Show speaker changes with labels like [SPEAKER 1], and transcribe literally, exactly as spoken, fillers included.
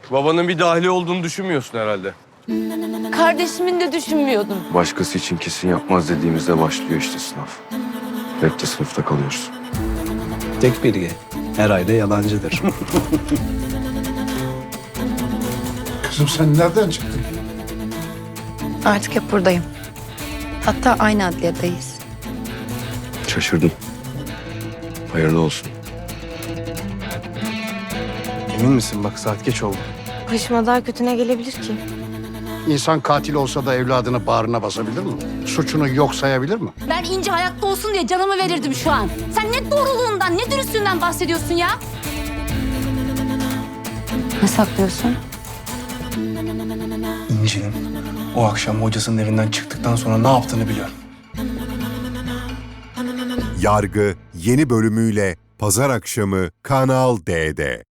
[SPEAKER 1] Babanın bir dahili olduğunu düşünmüyorsun herhalde.
[SPEAKER 2] Kardeşimin de düşünmüyordum.
[SPEAKER 1] Başkası için kesin yapmaz dediğimizde başlıyor işte sınav. Hep de sınıfta kalıyoruz.
[SPEAKER 3] Tek bilgi, her ayda yalancıdır.
[SPEAKER 4] Kızım sen nereden çıktın?
[SPEAKER 5] Artık hep buradayım. Hatta aynı adliyedeyiz.
[SPEAKER 1] Şaşırdım. Hayırlı olsun.
[SPEAKER 3] Emin misin? Bak saat geç oldu.
[SPEAKER 2] Başıma daha kötü ne gelebilir ki?
[SPEAKER 4] İnsan katil olsa da evladını bağrına basabilir mi? Suçunu yok sayabilir mi?
[SPEAKER 6] Ben İnci hayatta olsun diye canımı verirdim şu an. Sen ne doğruluğundan, ne dürüstlüğünden bahsediyorsun ya?
[SPEAKER 5] Ne saklıyorsun?
[SPEAKER 3] İnci'nin o akşam hocasının evinden çıktıktan sonra ne yaptığını biliyorum.
[SPEAKER 7] Yargı yeni bölümüyle Pazar akşamı Kanal D'de.